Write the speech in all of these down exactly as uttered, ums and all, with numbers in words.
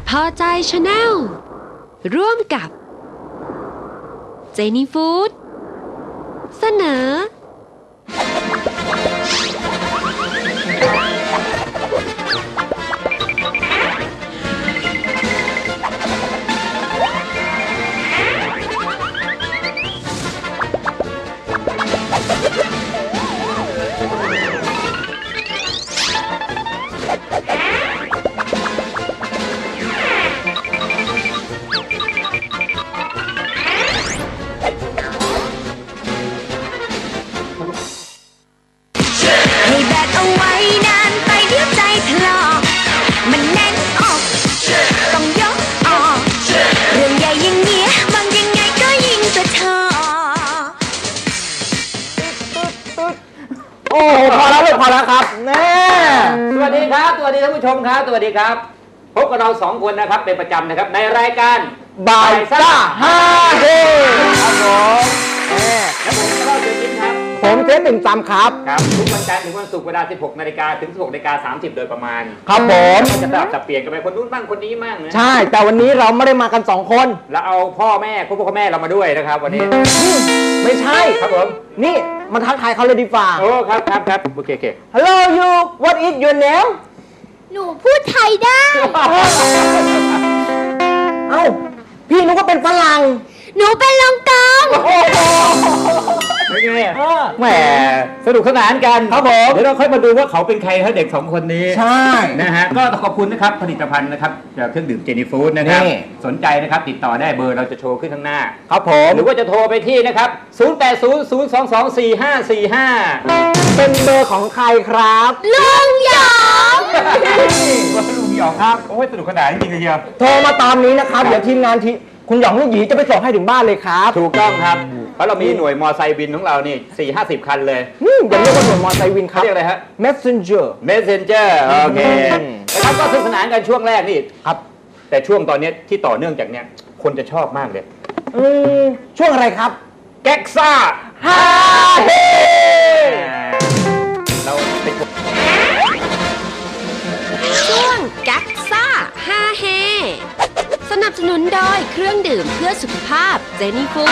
พอใจชาแนลร่วมกับเจนี่ฟู้ดเสนอโอ้พอแล้วลูกพอแล้วครับแน่สวัสดีครับสวัสดีท่านผู้ชมครับสวัสดีครับพบกับเราสองคนนะครับเป็นประจำนะครับในรายการบ่ายซ่าฮ่าเฮครับผมแล้วผมก็เจอยิ้มครับผมเจ๊หนึ่งจำครับครับทุกวันจันทร์ถึงวันศุกร์เวลา สิบหกนาฬิกา ถึง สิบหกนาฬิกาสามสิบ โดยประมาณครับผมจะแบบจะเปลี่ยนกันไปคนนู้นบ้างคนนี้บ้างนะใช่แต่วันนี้เราไม่ได้มากันสองคนแล้วเอาพ่อแม่พ่อพ่อแม่เรามาด้วยนะครับวันนี้ไม่ใช่ครับผมนี่มาทักทายเขาเลยดีฝ่าโอ้ครับครับครับโอเคโอเค Hello you what is your name หนูพูดไทยได้เอ้าพี่นึกว่าเป็นฝรั่งหนูเป็นลองกองไม่ไงแหมสนุกสนานกันครับผมเดี๋ยวเราค่อยมาดูว่าเขาเป็นใครเขาเด็กสองคนนี้ใช่นะฮะก็ขอบคุณนะครับผลิตภัณฑ์นะครับจากเครื่องดื่มเจนี่ฟู้ดนะครับสนใจนะครับติดต่อได้เบอร์เราจะโชว์ขึ้นข้างหน้าครับผมหรือว่าจะโทรไปที่นะครับศูนย์ แปด ศูนย์ ศูนย์ สอง สอง สี่ ห้า สี่ ห้าเป็นเบอร์ของใครครับลุงหยองก็ลุงหยองครับโอ้ยสนุกสนานจริงๆเลยเชียวโทรมาตามนี้นะครับเดี๋ยวทีมงานทีคุณหยองลูกหยีจะไปส่งให้ถึงบ้านเลยครับถูกต้องครับเพราะเรามีหน่วยมอไซค์บินของเรานี่สี่ห้าสิบคันเลยอย่าเรียกว่าหน่วยมอไซค์วินครับเรียกอะไรฮะ messenger messenger โอเคนะครับก็สนุกสนานกันช่วงแรกนี่ครับแต่ช่วงตอนนี้ที่ต่อเนื่องจากเนี้ยคนจะชอบมากเลยอืมช่วงอะไรครับแก๊กซ่าฮ่าเฮเราเป็นช่วงแก๊กซ่าฮ่าเฮสนับสนุนโดยเครื่องดื่มเพื่อสุขภาพเจนี่ฟู้ด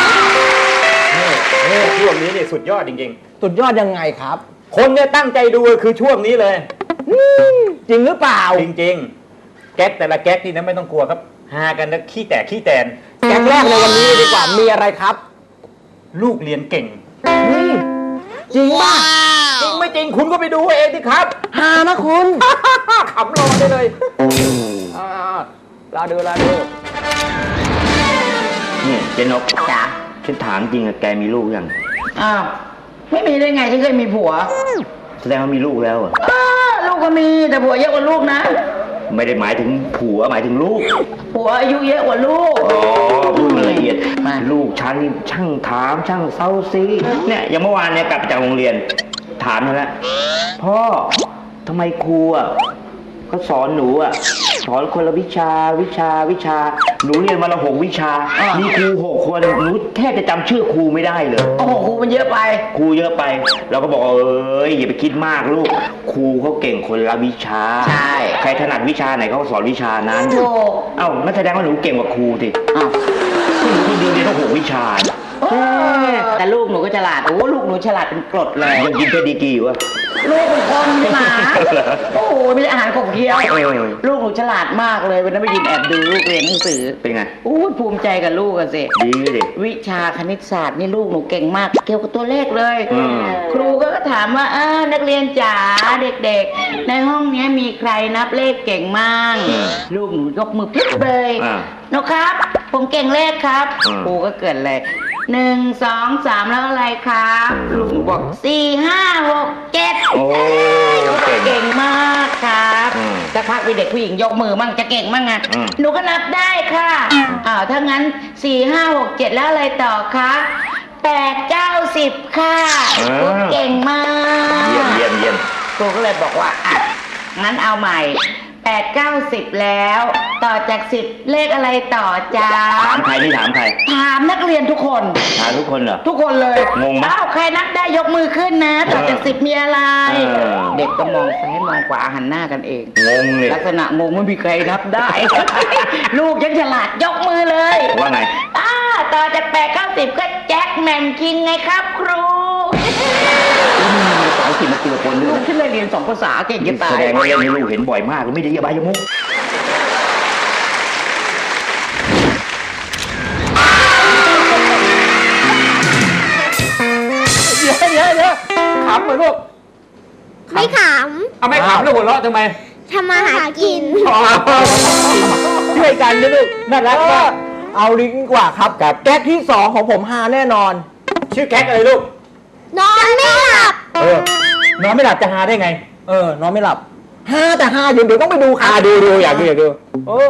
ช่วงนี้เนี่ยสุดยอดจริงๆสุดยอดยังไงครับคนเนี่ยตั้งใจดูคือช่วงนี้เลยจริงหรือเปล่าจริงๆแก๊กแต่ละแก๊กนี่นะไม่ต้องกลัวครับฮากันนะขี้แตกขี้แตนแก๊กแรกในวันนี้ดีกว่ามีอะไรครับลูกเรียนเก่งจริงป่ะจริงไม่จริงคุณก็ไปดูเองดิครับฮานะคุณขำรอได้เลยลาดูลาดูนี่เจนกจ๋าฉันถามจริงอะแกมีลูกยังอ้าวไม่มีได้ไงฉันเคยมีผัวแสดงว่ามีลูกแล้วอะลูกก็มีแต่ผัวเยอะกว่าลูกนะไม่ได้หมายถึงผัวหมายถึงลูกผัวอายุเยอะกว่าลูกอ๋อพูดละเอียดลูกฉันช่างถามช่างเซาซีเนี่ยอย่างเมื่อวานเนี่ยกลับจากโรงเรียนถามมาแล้วพ่อทำไมครูอะเขาสอนหนูอะสอนคนละวิชาวิชาวิชาหนูเรียนมาละหกวิชามีครูหกคนหนูแทบจะจำชื่อครูไม่ได้เลยโอ้โหครูมันเยอะไปครูเยอะไปเราก็บอกเอ้ยอย่าไปคิดมากลูกครูเขาเก่งคนละวิชาใช่ใครถนัดวิชาไหนเขาก็สอนวิชานั้นถูกเอ้านั่นแสดงว่าหนูเก่งกว่าครูสิอ้าวหนูเรียนเรียนต้องหกวิชาแต่ลูกหนูก็ฉลาดโอ้ลูกหนูฉลาดเป็นกรดเลยยังกินเพดีกีอยู่วะลูกเป็นคนไม่หมาโอ้โหไม่ใช่อาหารขบเคี้ยวลูกหนูฉลาดมากเลยวันนั้นไปยินแอบดูลูกเรียนหนังสือเป็นไงอู้ภูมิใจกับลูกกันสิดีดิวิชาคณิตศาสตร์นี่ลูกหนูเก่งมากเกี่ยวกับตัวเลขเลยครูก็ถามว่าอ่านักเรียนจ๋าเด็กๆในห้องนี้มีใครนับเลขเก่งมั่งลูกหนูยกมือปิ๊บเลยนกครับผมเก่งเลขครับครูก็เกิดเลยหนึ่งสองสามแล้วอะไรครับลุงบอกสี่ห้าหกเจ็ดโอ้เก่งมากครับสักพักมีเด็กผู้หญิงยกมือมั่งจะเก่งมั่งไงหนูก็นับได้ค่ะอ้าวถ้างั้นสี่ห้าหกเจ็ดแล้วอะไรต่อคะแปดเก้าสิบค่ะเก่งมากเยี่ยมเยี่ยมเยี่ยมครูก็เลยบอกว่าอ่ะงั้นเอาใหม่แปดเก้าสิบแล้ว ต่อจากสิบเลขอะไรต่อจ้าถามใครนี่ถามใครถามนักเรียนทุกคนถามทุกคนเหรอทุกคนเลยงงไหมอ้าวใครนับได้ยกมือขึ้นนะ ต่อจากสิบมีอะไรเออเด็กก็มองซ้ายมองขวาหันหน้ากันเองงงเลยลักษณะงงไม่มีใครนับได้ ลูกยังฉลาดยกมือเลยว่าไงอ่าต่อจากแปดเก้าสิบก็แจ็คแมนคิงไงครับครูภาษาอังกฤษมาเกี่ยวปนด้ลูวยกฉันเลยเรียนสองภาษาเก่งจะตาแสยดงว่าเรื่องนี้ลูกเห็นบ่อยมากไม่ได้ยาบายมุกเดี๋ยวเดี๋ยวเดี๋ยวขำเหรอลูกไม่ขเอาไม่ขำแล้วหัวเราะทำไมำทำมาหากินช่วยกันนะลูกน่ารักมากเอาลิงก์กว่าครับกับแก๊กที่สองของผมฮาแน่นอนชื่อแก๊กอะไรลูกนอนไม่หลับเออนอนไม่หลับจะหาได้ไงเออนอนไม่หลับฮาแต่ฮาอยู่เดี๋ยวต้องไปดูครับอ่าดูดูอยากดูอยากดูเออ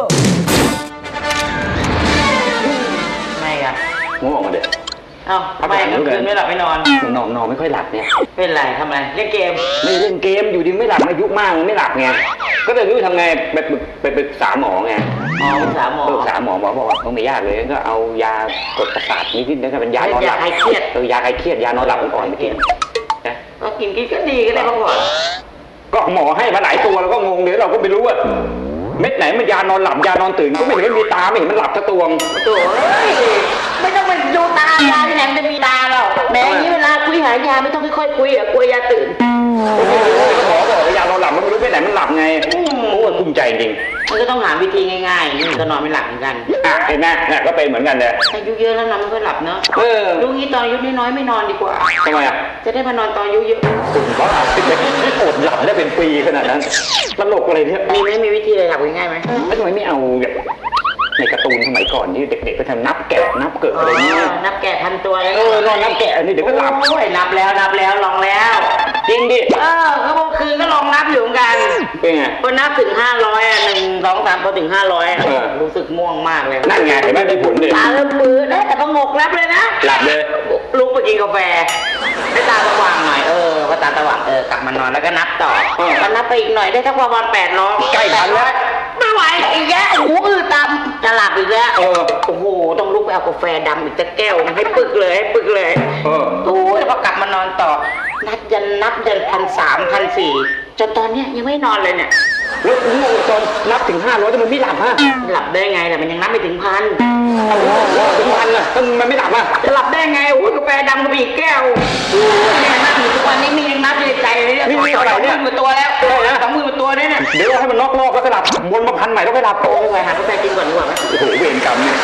ไม่อะมุกออกมาเด็ดเอ้าทำไมกลางคืนไม่หลับไม่นอนนอนนอนไม่ค่อยหลับเนี่ยเป็นไรทำไมเล่นเกมไม่เล่นเกมอยู่ดีไม่หลับอายุมากมันไม่หลับไงก็เลยไม่รู้ทำไงไปปรึกไปปรึกษาหมอไงอ๋อปรึกษาหมอปรึกษาหมอหมอบอกว่าไม่ยากเลยก็เอายากดประสาทนิดๆนะครับเป็นยานอนหลับยาคลายเครียดเออยาคลายเครียดยานอนหลับอ่อนๆไปกินนะก็กินกินก็ดีก็ได้พักผ่อนก็หมอให้มาหลายตัวเราก็งงเดี๋ยวเราก็ไม่รู้ว่าเม็ดไหนมันยานอนหลับยานอนตื่นก็ไม่เห็นมันมีตาไม่เห็นมันหลับทั้งตัวโถ่เอ้ยไม่ต้องไปดูตายาที่ไหนมันจะมีตาหรอกแหม้นี้เวลาคุยหายาไม่ต้องค่อยๆคุยอะกลัวยาตื่นหมอบอกว่ายานอนหลับมันไม่รู้เม็ดไหนมันหลับไงโอ้ยภูมิใจจริงมันก็ต้องหาวิธีง่ายๆนี่ก็นอนไม่หลับเหมือนกันอ่ะเห็นไหมเนี่ยก็เป็นเหมือนกันเลยอายุเยอะแล้วนอนไม่ค่อยหลับเนอะเออลูกนี้ตอนอายุน้อยๆไม่นอนดีกว่าทำไมอ่ะจะได้มานอนตอนอายุเยอะบ้าอดหลับได้เป็นปีขนาดนั้นตลกอะไรเนี่ยมีไหมมีวิธีอะไรหลับง่ายๆไหมแล้วทำไมไม่เอาแบบในการ์ตูนสมัยก่อนที่เด็กๆไปทำนับแกะนับเกิดอะไรเงี้ยนับแกะพันตัวเลยเออนอนนับแกะนี่เดี๋ยวก็หลับโอ้ยนับแล้วนับแล้วลองแล้วจริงดิเออก็เมื่อคืนก็ลองนับอยู่เหมือนกันเป็นไงพอนับถึงห้าร้อยอ่ะหนึ่งสองสามพอถึงห้าร้อยอ่ะเออรู้สึกม่วงมากเลยนั่นไงเห็นไหมมีผลดิตาเริ่มมือได้แต่ก็งกนับเลยนะหลับเลยลุกไปกินกาแฟให้ตาสว่างหน่อยเออพอตาสว่างเออกลับมานอนแล้วก็นับต่อก็นับไปอีกหน่อยได้สักประมาณแปดร้อยใกล้ทันแล้วไม่ไหวอีกแล้วหูอื้อตามจะหลับอีกแล้วเออโอ้โหต้องลุกไปเอากาแฟดำอีกสักแก้วให้ปึกเลยให้ปึกเลยเออโอ้ยแล้วพอกลับมานอนต่อ นับยันนับยันพันสามพันสี่จนตอนเนี้ยยังไม่นอนเลยเนี่ยแล้วงงจนนับถึงห้าร้อยแต่มันไม่หลับฮะหลับได้ไงแต่มันยังนับไม่ถึงพันถึงพันอ่ะมันไม่หลับอ่ะจะหลับได้ไงโอ้ยกาแฟดำก็มีอีกแก้วโอ้ยเนี่ยนับอยู่ทุกวันนี้มียังนับอยู่ในใจเลยเนี่ยนี่มีอะไรเนี่ยสองหมื่นกว่าตัวแล้วสองหมื่นกว่าตัวเนี่ยเนี่ยเดี๋ยวเราให้มันนอกรอบแล้วก็หลับวนมาพันใหม่แล้วก็หลับโอ้ยไปหากาแฟกินก่อนดีกว่าไหมโอ้โหเวรกรรมเนี่ย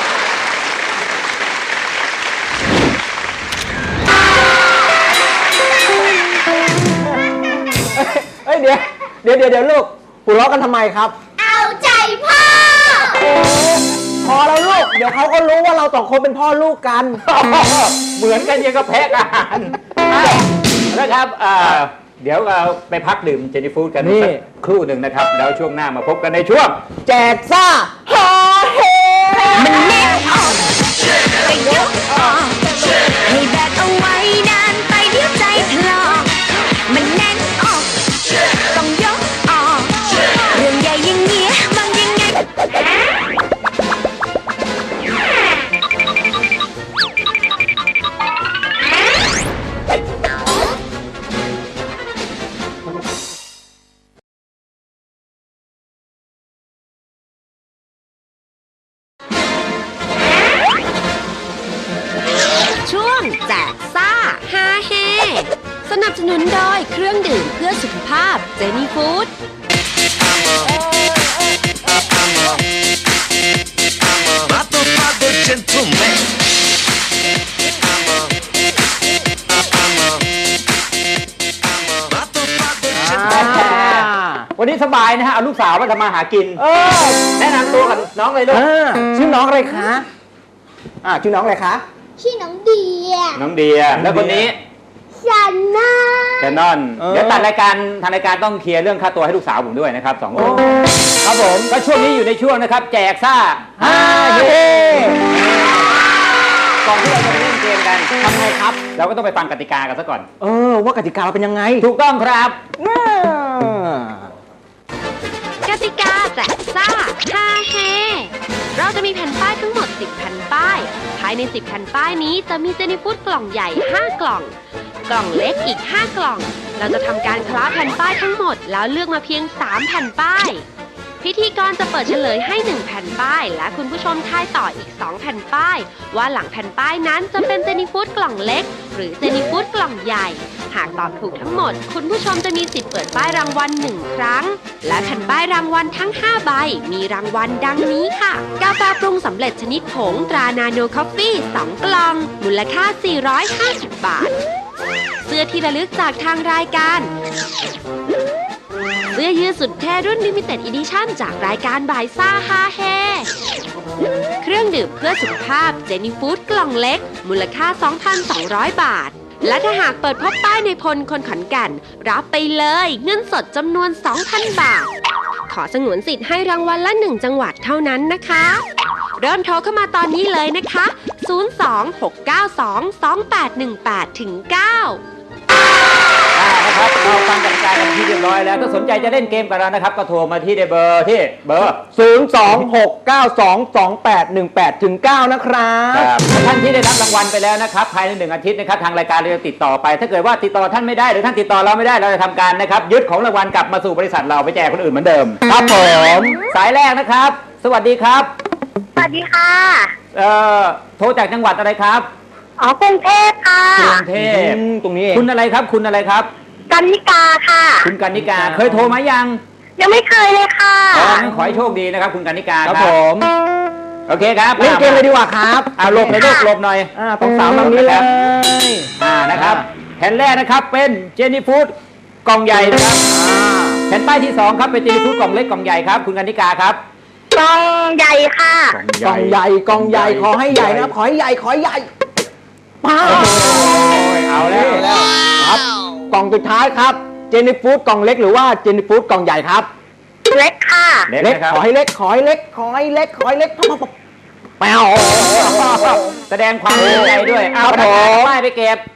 เอ้ยเดี๋ยวเดี๋ยวเดี๋ยวเดี๋ยวลูกหัวเราะกันทำไมครับเอาใจพ่อพอแล้วลูกเดี๋ยวเขาก็รู้ว่าเราสองคนเป็นพ่อลูกกันเหมือนกันยังกับแพะอาหารนะครับอ่าเดี๋ยวเราไปพักดื่มเจนี่ฟู้ดกันนี่สักครู่หนึ่งนะครับ แล้วช่วงหน้ามาพบกันในช่วงแจกซ่าฮาเฮมันแน่นออกไปยกออกให้แบกเอาไว้นานไปเดี๋ยวใจถลอกมันแน่นออกต้องยกออกเรื่องใหญ่อย่างเงี้ยมันยังไง ช่วงแจกซ่าฮาเฮสนับสนุนโดยเครื่องดื่มเพื่อสุขภาพเจนี่ฟู้ดวันนี้สบายนะฮะเอาลูกสาวมาทำมาหากินเออแนะนำตัวกับน้องเลยลูกอ่าชื่อน้องอะไรคะอ่าชื่อน้องอะไรคะชื่อน้องเดียน้องเดียแล้วคนนี้ฉันน่ะแคนนอนเออเดี๋ยวตัดรายการทางรายการต้องเคลียร์เรื่องค่าตัวให้ลูกสาวผมด้วยนะครับสองคโอ้นครับผมก็ช่วงนี้อยู่ในช่วงนะครับ แจกซ่าฮาเฮก่อนที่เราจะไปเล่นเกมกันทำไงครับเราก็ต้องไปฟังกติกากันซะก่อนเออว่ากติกาเราเป็นยังไงถูกต้องครับอ่ากติแสบซ่าฮาเฮเราจะมีแผ่นป้ายทั้งหมดสิบแผ่นป้ายภายในสิบแผ่นป้ายนี้จะมีเจนี่ฟู้ดกล่องใหญ่ห้ากล่องกล่องเล็กอีกห้ากล่องเราจะทำการคล้าแผ่นป้ายทั้งหมดแล้วเลือกมาเพียงสามแผ่นป้ายพิธีกรจะเปิดเฉลยให้หนึ่งแผ่นป้ายและคุณผู้ชมทายต่ออีกสองแผ่นป้ายว่าหลังแผ่นป้ายนั้นจะเป็นเจนี่ฟู้ดกล่องเล็กหรือเจนี่ฟู้ดกล่องใหญ่หากตอบถูกทั้งหมดคุณผู้ชมจะมีสิทธิ์เปิดป้ายรางวัลหนึ่งครั้งและแผ่นป้ายรางวัลทั้งห้าใบมีรางวัลดังนี้ค่ะกาแฟปรุงสำเร็จชนิดผงตรานาโนคอฟฟี่สองกล่องมูลค่าสี่ร้อยห้าสิบบาทเสื้อที่ระลึกจากทางรายการเสื้อยืดสุดเท่รุ่น Limited Edition จากรายการบ่ายซ่าฮาเฮเครื่องดื่มเพื่อสุขภาพเจนี่ฟู้ดกล่องเล็กมูลค่า สองพันสองร้อย บาทและถ้าหากเปิดพบป้ายในพลคนขอนแก่นรับไปเลยเงินสดจำนวน สองพัน บาทขอสงวนสิทธิ์ให้รางวัลละหนึ่งจังหวัดเท่านั้นนะคะเริ่มโทรเข้ามาตอนนี้เลยนะคะศูนย์ สอง หก เก้า สอง สอง แปด หนึ่ง แปด เก้านะครับเราฟังกติกากันที่เรียบร้อยแล้วถ้าสนใจจะเล่นเกมกับเรานะครับก็โทรมาที่เบอร์ที่เบอร์ศูนย์ สอง หก เก้า สอง สอง แปด หนึ่ง แปด เก้า นะครับท่านที่ได้รับรางวัลไปแล้วนะครับภายในหนึ่งอาทิตย์นะครับทางรายการเราจะติดต่อไปถ้าเกิดว่าติดต่อท่านไม่ได้หรือท่านติดต่อเราไม่ได้เราจะทำการนะครับยึดของรางวัลกลับมาสู่บริษัทเราไปแจกคนอื่นเหมือนเดิมครับผมสายแรกนะครับสวัสดีครับสวัสดีค่ะเอ่อโทรจากจังหวัดอะไรครับอ๋อกรุงเทพค่ะกรุงเทพตรงนี้คุณอะไรครับคุณอะไรครับกันนิกาค่ะคุณกันนิกาเคยโทรมายังยังไม่เคยเลยค่ะอ๋องั้นขอให้โชคดีนะครับคุณกันนิกาครับผมโอเคครับเล่นเกมเลยดีกว่าครับเอาหลบเลยลูกหลบหน่อยอ่าตรงสาวตรงนี้เลยอ่านะครับแผ่นแรกนะครับเป็นเจนี่ฟู้ดกล่องใหญ่นะครับแผ่นป้ายที่สองครับเป็นเจนี่ฟู้ดกล่องเล็กกล่องใหญ่ครับคุณกันนิกาครับกล่องใหญ่ค่ะกล่องใหญ่กล่องใหญ่ขอให้ใหญ่นะขอให้ใหญ่ขอให้ใหญ่ป้าเอาแล้วครับกล่องสุดท้ายครับเจนี่ฟู้ดกล่องเล็กหรือว่าเจนี่ฟู้ดกล่องใหญ่ครับเล็กค่ะเล็กขอให้เล็กขอให้เล็กขอให้เล็กขอให้เล็กแปวแสดงความดีใจด้วยเอาป้ายไปเก็บ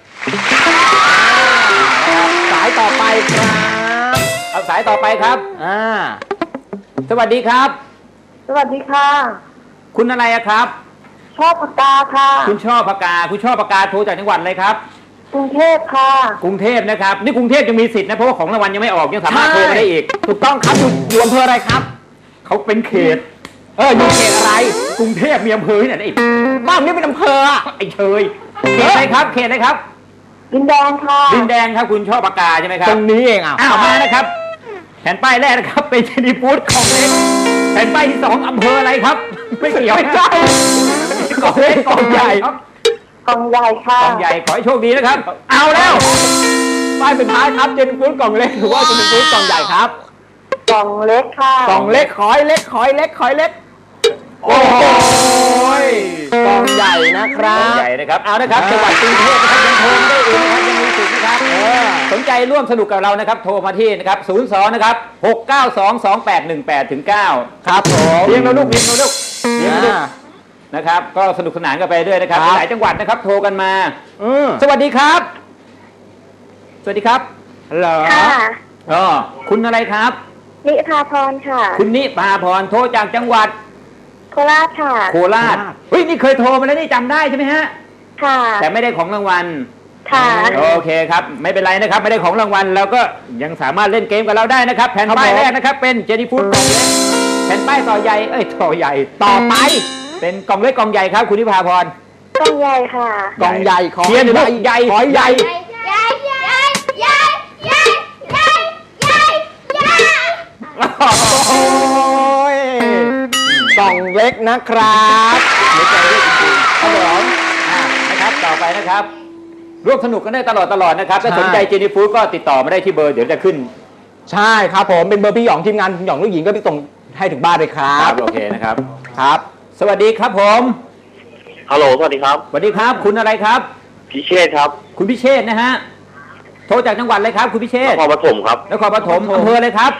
สายต่อไปครับเอาสายต่อไปครับอ่าสวัสดีครับสวัสดีค่ะคุณอะไรครับชอบปากกาค่ะคุณชอบปากกาคุณชอบปากกาโทรจากจังหวัดอะไรครับกรุงเทพค่ะกรุงเทพนะครับนี่กรุงเทพยังมีสิทธิ์นะเพราะว่าของรางวัลยังไม่ออกยังสามารถโทรมาได้อีกถูกต้องครับอยู่อำเภออะไรครับเขาเป็นเขตเอออยู่เขตอะไรกรุงเทพมีอำเภอที่ไหนอีกบ้านนี้เป็นอำเภอไอ้เชยเขตอะไรครับเขตอะไรครับดินแดงค่ะดินแดงครับคุณชอบปากกาใช่ไหมครับตรงนี้เองอ่ะอ้าวมานะครับแผ่นป้ายแรกนะครับเป็นเจนี่ฟู้ดของเล็กแผ่นป้ายที่สองอำเภออะไรครับไม่เกี่ยวไม่ใช่กล่องเล็กกล่องใหญ่ครับกล่องใหญ่ค่ะกล่องใหญ่ขอให้โชคดีนะครับเอาแล้วป้ายสุดท้ายครับเจนี่ฟู้ดกล่องเล็กหรือว่าเจนี่ฟู้ดกล่องใหญ่ครับกล่องเล็กค่ะกล่องเล็กขอให้เล็กขอให้เล็กขอให้เล็กโอ้ยกล่องใหญ่นะครับกล่องใหญ่นะครับเอานะครับจังหวัดกรุงเทพนะครับยังโทรได้อีกนะครับยังมีสิทธิ์นะครับสนใจร่วมสนุกกับเรานะครับโทรมาที่นะครับศูนย์ สองนะครับหก เก้า สอง สอง แปด หนึ่ง แปด เก้าครับผมเรียงเราลูกเรียงเราลูกเรียงเราลูกนะครับก็สนุกสนานกันไปด้วยนะครับหลายจังหวัดนะครับโทรกันมาสวัสดีครับสวัสดีครับฮัลโหลอ๋อคุณอะไรครับนิพาพรค่ะคุณนิพาพรโทรจากจังหวัดโคราชค่ะโคราชเฮ้ยนี่เคยโทรมาแล้วนี่จำได้ใช่ไหมฮะค่ะแต่ไม่ได้ของรางวัลค่ะโอเคครับไม่เป็นไรนะครับไม่ได้ของรางวัลเราก็ยังสามารถเล่นเกมกับเราได้นะครับแผ่นป้ายแรกนะครับเป็นเจนี่ฟู้ดกล่องเล็กแผ่นป้ายต่อใหญ่เอ้ยต่อใหญ่ต่อไปเป็นกล่องเล็กกล่องใหญ่ครับคุณนิพาพรกล่องใหญ่ค่ะกล่องใหญ่ขอใหญ่ใหญ่ขอใหญ่ใหญ่ใหญ่ใหญ่ใหญ่ใหญ่ใหญ่ใหญ่โอ้ยกล่องเล็กนะครับเดี๋ยวใจเล็กจริงๆครับผมนะครับต่อไปนะครับร่วมสนุกกันได้ตลอดตลอดนะครับถ้าสนใจเจนี่ฟู้ดก็ติดต่อมาได้ที่เบอร์เดี๋ยวจะขึ้นใช่ครับผมเป็นเบอร์พี่หยองทีมงานหยองลูกหญิงก็ไปส่งให้ถึงบ้านเลยครับโอเคนะครับครับสวัสดีครับผมฮัลโหลสวัสดีครับสวัสดีครับคุณอะไรครับพิเชษครับคุณพิเชษนะฮะโทรจากจังหวัดอะไรครับคุณพิเชษนครปฐมครับนครปฐมอำเภออะไรครับ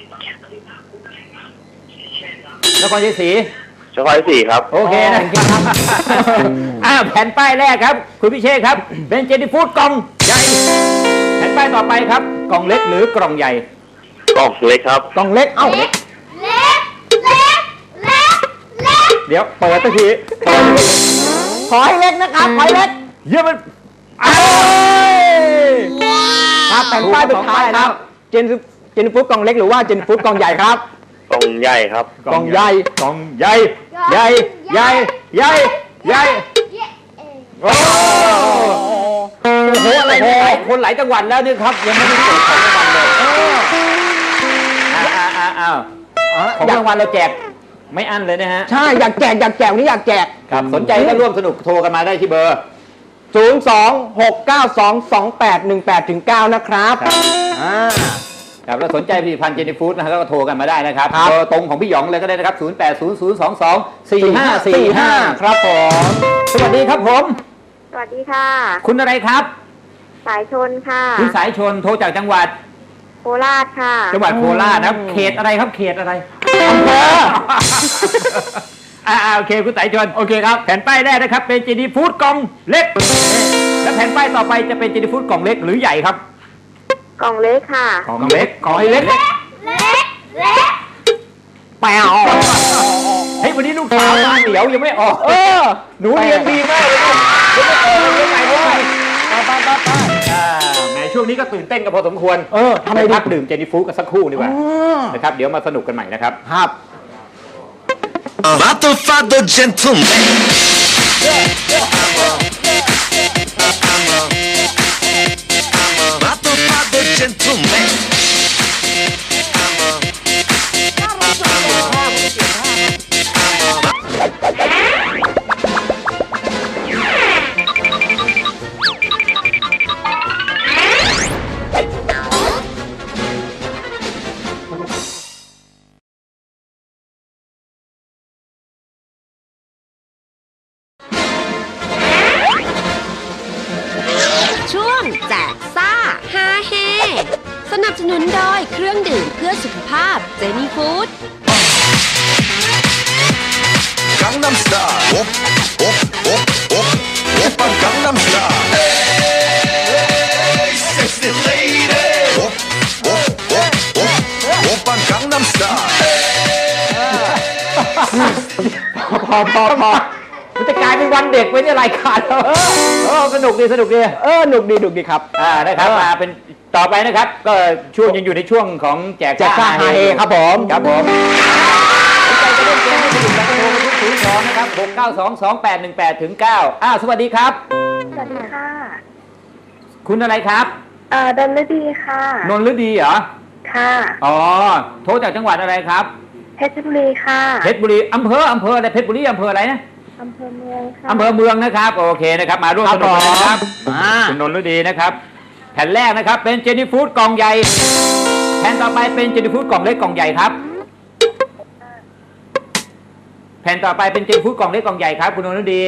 นครชัยศรีนครชัยศรีครับโอเคนะครับอ่าแผ่นป้ายแรกครับคุณพิเชษครับเป็นเจนี่ฟู้ดกล่องใหญ่แผ่นป้ายต่อไปครับกล่องเล็กหรือกล่องใหญ่กล่องเล็กครับกล่องเล็กเอ้าเล็กเล็กเดี๋ยวเปิดตะทีขอให้เล็กนะครับขอให้เล็กเยี่ยมมันอ้าครับแผ่นป้ายสุดท้ายครับเจนเจนฟูดกล่องเล็กหรือว่าเจนฟูดกล่องใหญ่ครับกล่องใหญ่ครับกล่องใหญ่กล่องใหญ่ใหญ่ใหญ่ใหญ่ใหญ่โอ้โหอะไรเนี่ยคนหลายจังหวัดแล้วเนี่ยครับยังไม่ได้เปิดของรางวัลเลยอ้าวอ้าวอ้าวของรางวัลเราแจกไม่อั้นเลยนะฮะใช่อยากแจกอยากแจกวันนี้อยากแจกครับสนใจก็ร่วมสนุกโทรกันมาได้ที่เบอร์ศูนย์ สอง หก เก้า สอง สอง แปด หนึ่ง แปด ถึง เก้า นะครับครับอ่าครับแล้วสนใจผลิตภัณฑ์เจนี่ฟู้ดนะครับก็โทรกันมาได้นะครับครับเบอร์ตรงของพี่หยองเลยก็ได้นะครับ ศูนย์ แปด ศูนย์ ศูนย์ สอง สอง สี่ ห้า สี่ ห้าครับผมสวัสดีครับผมสวัสดีค่ะคุณอะไรครับสายชนค่ะคุณสายชนโทรจากจังหวัดโคราชค่ะจังหวัดโคราชนะครับ เขตอะไรครับ เขตอะไรอำเภออ่าโอเคคุณสายชนโอเคครับแผ่นป้ายแรกนะครับเป็นเจนี่ฟู้ดกล่องเล็ก และแผ่นป้ายต่อไปจะเป็นเจนี่ฟู้ดกล่องเล็กหรือใหญ่ครับกล่องเล็กค่ะกล่องเล็กกล่องเล็กเล็ก เล็กแปวเฮ้ยวันนี้ลูกสาวมาเหนียวยังไม่ออกเออหนูเรียนดีมากเลยลูกยังไม่ออกเลยยังไงด้วยไปไปไปไปอ่าแหมช่วงนี้ก็ตื่นเต้นกันพอสมควรเออทำไมไปดีพักดื่มเจนี่ฟู้ดกันสักครู่ดีกว่าอ๋อนะครับเดี๋ยวมาสนุกกันใหม่นะครับครับ Father, father, gentleman. Father, father, gentleman. ช่วงแจกซ่าฮาเฮสนับสนุนโดยเครื่องดื่มเพื่อสุขภาพเจนี่ฟู้ด Gangnam Style. Op, op, op, op. Oppa Gangnam Style. Hey, sexy lady. Op, op, op, op. Oppa Gangnam Style. พอพอพอมันจะกลายเป็นวันเด็กไว้ในรายการเราเออสนุกดีสนุกดีเออหนุกดีหนุกดีครับอ่านะครับมาเป็นต่อไปนะครับ ก็ช่วงยังอยู่ในช่วงของแจกแจกซ่าฮาเฮครับผมครับผมสนใจจะเล่นเกมให้สนุกกันโทรมาที่ศูนย์สองนะครับหกเก้าสองสองแปดหนึ่งแปดถึงเก้าอ้าวสวัสดีครับสวัสดีค่ะคุณอะไรครับเอ่อดนฤดีค่ะนนท์ฤดีเหรอค่ะอ๋อโทรจากจังหวัดอะไรครับเพชรบุรีค่ะเพชรบุรีอำเภออำเภออะไรเพชรบุรีอำเภออะไรนะอำเภอเมืองค่ะอำเภอเมืองนะครับโอเคนะครับมาร่วมสนุกกันนะครับอ่าคุณนนท์ฤดีนะครับแผ่นแรกนะครับเป็นเจนี่ฟู้ดกล่องใหญ่แผ่นต่อไปเป็นเจนี่ฟู้ดกล่องเล็กกล่องใหญ่ครับแผ่นต่อไปเป็นเจนี่ฟู้ดกล่องเล็กกล่องใหญ่ครับคุณนนท์ฤดี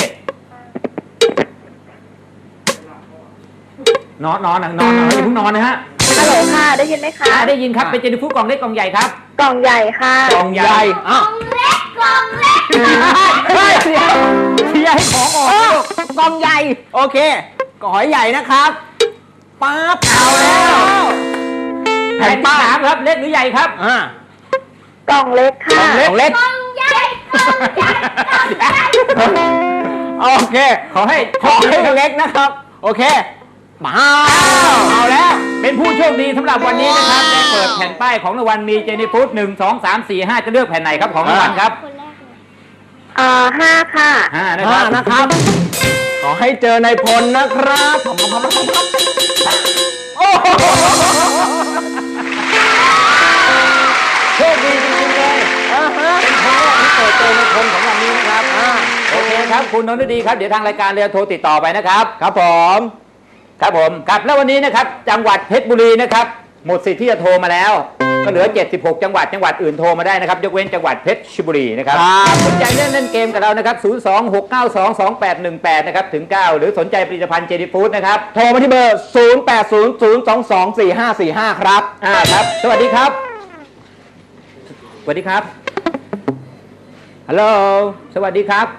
นอนนอนนอนนอนอย่าเพิ่งนอนนะฮะฮัลโหลค่ะ ได้ยินไหมคะอ่าได้ยินครับเป็นเจนี่ฟู้ดกล่องเล็กกล่องใหญ่ครับกล่องใหญ่ค่ะกล่องใหญ่อ้าวเล็ก กล่องเล็กเฮ้ยเสียเชียร์ให้ของออกเอนะอลูกกล่องใหญ่ โอเคกหอยใหญ่นะครับปั๊บเอาแล้วแผ่นที่สามครับเล็กหรือใหญ่ครับอ่ากล่องเล็กค่ะกล่องเล็กเล็กกล่องใหญ่ กล่องใหญ่ กล่องใหญ่โอเคขอให้ขอให้เล็กนะครับ โอเคมาเอาแล้ว เป็นผู้โชคดีสำหรับวันนี้นะครับได้เปิดแผ่นป้ายของรางวัลมีเจนี่ฟู้ดหนึ่งสองสามสี่ห้าจะเลือกแผ่นไหนครับของรางวัลครับเอ่อห้าค่ะห้านะคห้ารับนะครับ ขอให้เจอในายพลนะครับโอ้โหโชคดีจริงๆเลยอ่าฮะเป็นครั้งแรกที่เปิดเจอในคนของวันนี้นะครับอ่าโอเคครับคุณนนท์ดีครับเดี๋ยวทางรายการเรือโทรติดต่อไปนะครับครับผมครับผมครับแล้ววันนี้นะครับจังหวัดเพชรบุรีนะครับหมดสิทธิ์ที่จะโทรมาแล้ว ก็เหลือเจ็ดสิบหกจังหวัดจังหวัดอื่นโทรมาได้นะครับยกเว้นจังหวัดเพชรบุรีนะครับสนใจเล่นเล่นเกมกับเรานะครับศูนย์ สอง หก เก้า สอง สอง แปด หนึ่ง แปดนะครับถึงเก้าหรือสนใจผลิตภัณฑ์เจนี่ฟู้ดนะครับโทรมาที่เบอร์ ศูนย์ แปด ศูนย์ ศูนย์ สอง สอง สี่ ห้า สี่ ห้า ครับอ่าครับสวัสดีครับสวัสดีครับฮัลโหลสวัสดีครับ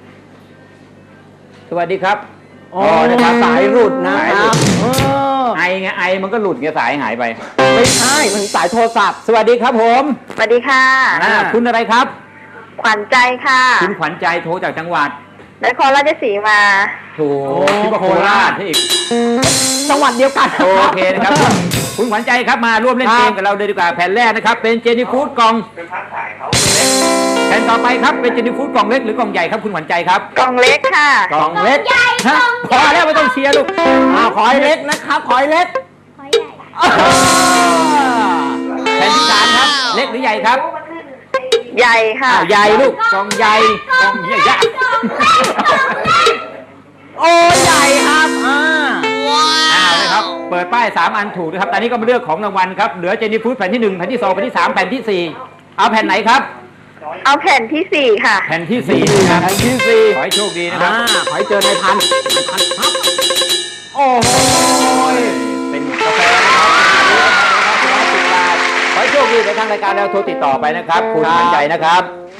สวัสดีครับอ๋อนะครับสายหลุดนะครับเออไอไงไอมันก็หลุดไงสายหายไปไม่ใช่ มันสายโทรศัพท์สวัสดีครับผมสวัสดีค่ะอ่าคุณอะไรครับขวัญใจค่ะคุณขวัญใจโทรจากจังหวัดนครราชสีมาถูกคิดว่าโคราชอีกจังหวัดเดียวกันโอเคนะครับคุณคุณขวัญใจครับมาร่วมเล่นเกมกับเราเลยดีกว่าแผ่นแรกนะครับเป็นเจนี่ฟู้ดกล่องแผ่นต่อไปครับเป็นเจนี่ฟู้ดกล่องเล็กหรือกล่องใหญ่ครับคุณขวัญใจครับกล่องเล็กค่ะกล่องเล็กฮะพอแล้วไม่ต้องเชียร์ลูกอ่าขอให้เล็กนะครับขอให้เล็กขอใหญ่แผ่นที่สามครับเล็กหรือใหญ่ครับใหญ่ค่ะอ้าวใหญ่ลูกกล่องใหญ่กล่องใหญ่ใหญ่โอ้ใหญ่ครับอ่าอ้าวนะครับเปิดป้ายสามอันถูกนะครับตอนนี้ก็มาเลือกของรางวัลครับเหลือเจนี่ฟู้ดแผ่นที่หนึ่งแผ่นที่สองแผ่นที่สามแผ่นที่สี่เอาแผ่นไหนครับเอาแผ่นที่สี่ค่ะแผ่นที่สี่นะครับแผ่นที่สี่ขอให้โชคดีนะครับอ่าขอให้เจอในพันในพันครับโอ้โหเป็นกาแฟนะครับร้อยสิบบาทขอให้โชคดีในทางรายการแล้วโทรติดต่อไปนะครับ คุณขวัญใจนะครับ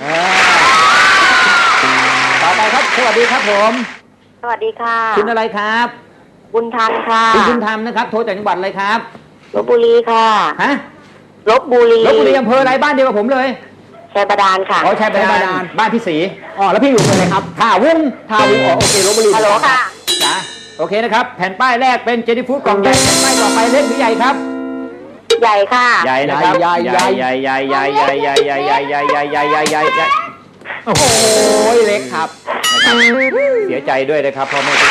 ต่อไปครับสวัสดีครับผมสวัสดีค่ะคุณอะไรครับบุญทันค่ะคุณบุญธรรมนะครับโทรจากจังหวัดอะไรครับลพบุรีค่ะฮะลพบุรีลบบุรีอำเภออะไรบ้านเดียวกับผมเลยชัยบาดาลค่ะอ๋อชัยบาดาลบ้านพี่ศรีอ๋อแล้วพี่อยู่ตรงไหนครับท่าวุ้งท่าวุ้งอ๋อโอเคลพบุรีฮัลโหลค่ะจ้ะโอเคนะครับแผ่นป้ายแรกเป็นเจนี่ฟู้ดกล่องใหญ่แผ่นป้ายต่อไปเล็กหรือใหญ่ครับใหญ่ค่ะใหญ่นะครับใหญ่ใหญ่ใหญ่ใหญ่ใหญ่ใหญ่ใหญ่ใหญ่ใหญ่ใหญ่ใหญ่ใหญ่ใหญ่ใหญ่ใหญ่โอ้โหเล็กครับเสียใจด้วยนะครับเพราะไม่ถูก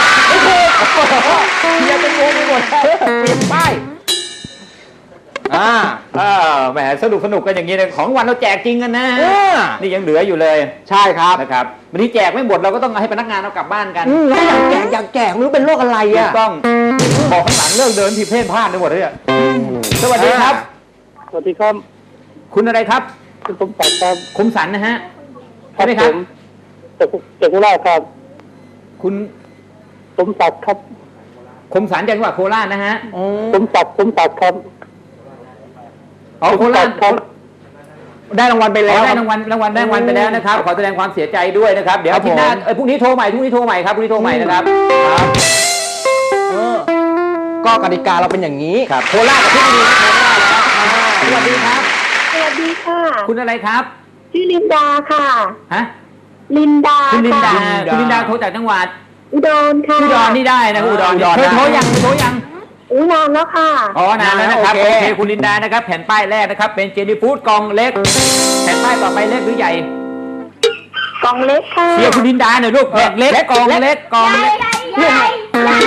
เฮียเป็นงงไปหมดเปลี่ยนป้ายอ่าอ่าแหมสนุกสนุกกันอย่างนี้เลยของรางวันเราแจกจริงกันนะเออนี่ยังเหลืออยู่เลยใช่ครับนะครับวันนี้แจกไม่หมดเราก็ต้องให้พนักงานเอากลับบ้านกันอืมแล้วอยากแจกอยากแจกไม่รู้เป็นโรคอะไรถูอ่ะกต้องบอกข้างหลังเลิกเดินที่เพ่นพ่านไปหมดเลยอะสวัสดีครับสวัสดีครับคุณอะไรครับคุณสมศักดิ์ครับคมสันนะฮะใช่ไหมครับจากจากโคราชครับคุณสมศักดิ์ครับคมสันจากจังหวัดโคราชนะฮะสมศักดิ์สมศักดิ์ครับอ๋อโคราชครับได้รางวัลไปขแล้อวได้รางวัลรางวัลได้รางวัลไปแล้วนะครับ ขอแสดงความเสียใจด้วยนะครับ เดี๋ยวครัอาบทิตย์หน้าผมเอ้ยพรุ่งนี้โทรใหม่พรุ่งนี้โทรใหม่ครับพรุ่งนี้โทรใหม่นะครับครับเออก็กติกาเราเป็นอย่างนี้ครับโคราชกับที่บุรีโทรไม่ได้แล้วสวัสดีครับสวัสดีค่ะคุณอะไรครับชื่อลินดาค่ะฮะลินดาคุณลินดาลินดาคุณลินดาโทรจากจังหวัดอุดรค่ะอุดรนี่ได้นะอุดรอุดรเคยได้โทรยังเคยโทรยังอู้นานแล้วค่ะอ๋อนานแล้วนะครับโอโอเคเคคุณลินดานะครับแผ่นป้ายแรกนะครับเป็นเจนี่ฟู้ดกล่องเล็กแผ่นป้ายต่อไปเล็กหรือใหญ่กล่องเล็กค่ะเชียร์คุณลินดาหน่อยลูกแผ่นเล็กกล่องเล็กกล่องเล็กใหญ่ใหญ่ใหญ่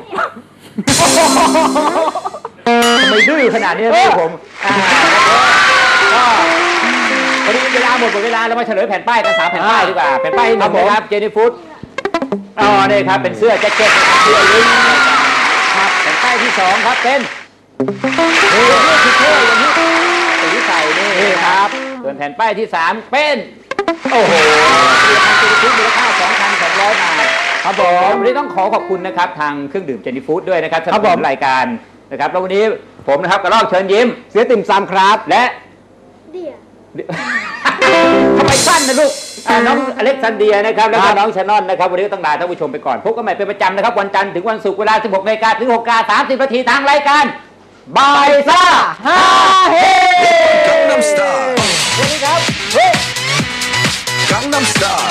ทำไมดื้อขนาดนี้ลูกผมอ่าก็พอดีเวลาหมดหมดเวลาเรามาเฉลยแผ่นป้ายกันสามแผ่นป้ายดีกว่าแผ่นป้ายที่หนึ่งนะครับเจนี่ฟู้ดอ๋อนี่ครับเป็นเสื้อแจ็คเก็ตนะครับเสื้อลิงครับแผ่นป้ายที่สองครับเป็นเฮ้ยนี่คือเท่อย่างนี้สีใส่นี่ครับส่วนแผ่นป้ายที่สามเป็นโอ้โหเรียนทางเจนี่ฟู้ดมูลค่า สองพันสองร้อย บาทครับผมวันนี้ต้องขอขอบคุณนะครับทางเครื่องดื่มเจนี่ฟู้ดด้วยนะครับสำหรับรายการนะครับแล้ววันนี้ผมนะครับกระรอกเชิญยิ้มเสียติ่มซำครับและเดี๋ยวทำไมสั้นนะลูกอ่าน้องอเล็กซานเดียนะครับแล้วก็น้องชานอนนะครับวันนี้ก็ต้องลาท่านผู้ชมไปก่อนพบกันใหม่เป็นประจำนะครับวันจันทร์ถึงวันศุกร์เวลา สิบหกนาฬิกา ถึง หกนาฬิกาสามสิบ นาทีทางรายการบายซ่าฮาเฮ Gangnam Style สวัสดีครับเฮ้ย Gangnam Style